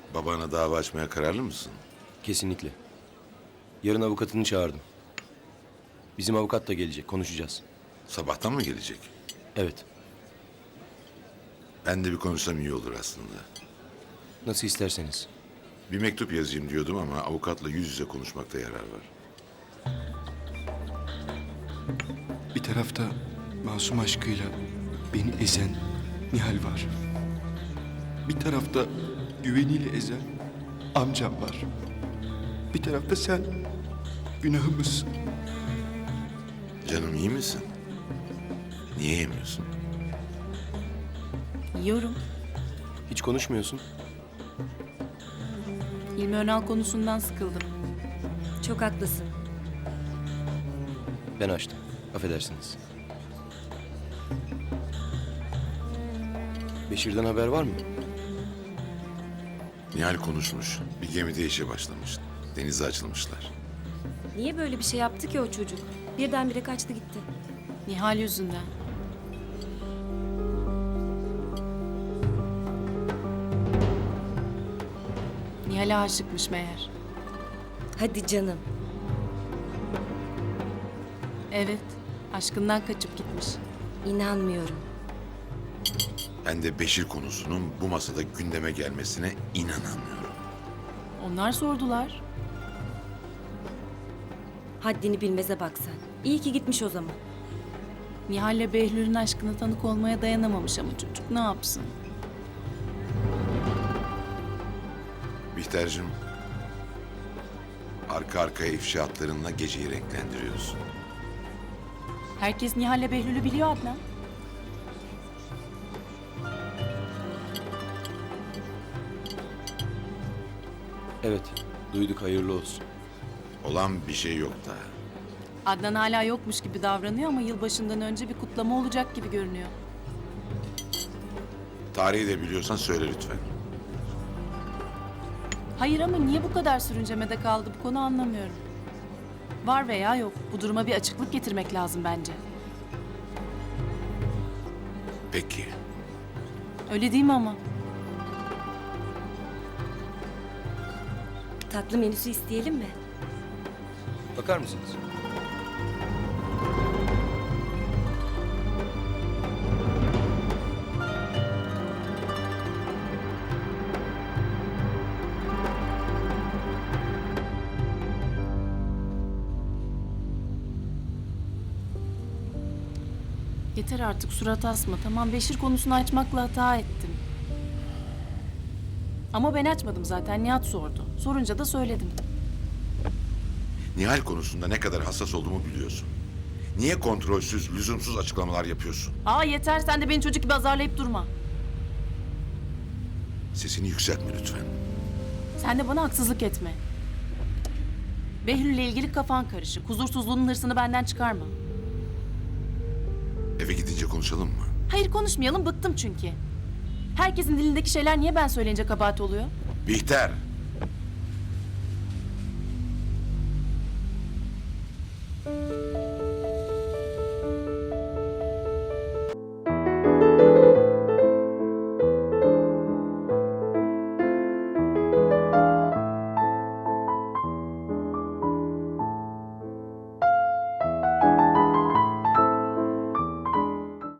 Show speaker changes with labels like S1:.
S1: Babana dava açmaya kararlı mısın?
S2: Kesinlikle. Yarın avukatını çağırdım. Bizim avukat da gelecek, konuşacağız.
S1: Sabahtan mı gelecek?
S2: Evet,
S1: Ben de bir konuşsam iyi olur aslında.
S2: nasıl isterseniz.
S1: Bir mektup yazayım diyordum ama avukatla yüz yüze konuşmakta yarar var.
S3: Bir tarafta masum aşkıyla beni ezen Nihal var. Bir tarafta güveniyle ezen amcam var. Bir tarafta sen, günahımız.
S1: Canım iyi misin? Niye yemiyorsun?
S4: Yiyorum.
S2: Hiç konuşmuyorsun.
S4: Hilmi Önal konusundan sıkıldım.
S5: Çok haklısın.
S2: Ben açtım, affedersiniz. Beşir'den haber var mı?
S1: Nihal konuşmuş. Bir gemide işe başlamış. Denize açılmışlar.
S5: Niye böyle bir şey yaptı ki o çocuk? Birdenbire kaçtı gitti.
S4: Nihal yüzünden. Nihal'e aşıkmış meğer.
S5: Hadi canım.
S4: Evet, aşkından kaçıp gitmiş.
S5: İnanmıyorum.
S1: Ben de Beşir konusunun bu masada gündeme gelmesine inanamıyorum.
S4: Onlar sordular.
S5: Haddini bilmeze bak sen. İyi ki gitmiş o zaman.
S4: Nihal'le Behlül'ün aşkına tanık olmaya dayanamamış ama çocuk ne yapsın?
S1: Bihter'cim, arka arkaya ifşaatlarınla geceyi renklendiriyorsun.
S4: Herkes Nihal'le Behlül'ü biliyor Adnan.
S2: Evet, duyduk, hayırlı olsun.
S1: Olan bir şey yok daha.
S4: Adnan hala yokmuş gibi davranıyor ama yılbaşından önce bir kutlama olacak gibi görünüyor.
S1: Tarihi de biliyorsan söyle lütfen.
S4: Hayır ama niye bu kadar sürüncemede kaldı bu konu anlamıyorum. Var veya yok, bu duruma bir açıklık getirmek lazım bence.
S1: Peki.
S4: Öyle değil mi ama?
S5: Tatlı menüsü isteyelim mi?
S2: Bakar mısınız?
S4: Yeter artık surat asma. Tamam Beşir konusunu açmakla hata ettim. Ama ben açmadım zaten. Nihat sordu. Sorunca da söyledim.
S1: Nihal konusunda ne kadar hassas olduğumu biliyorsun. Niye kontrolsüz, lüzumsuz açıklamalar yapıyorsun?
S4: Aa yeter sen de beni çocuk gibi azarlayıp durma.
S1: Sesini yükseltme lütfen.
S4: Sen de bana haksızlık etme. Behlül'le ilgili kafan karışık. Huzursuzluğunun hırsını benden çıkarma.
S1: Eve gidince konuşalım mı?
S4: Hayır konuşmayalım bıktım çünkü. Herkesin dilindeki şeyler niye ben söyleyince kabahat oluyor?
S1: Bihter!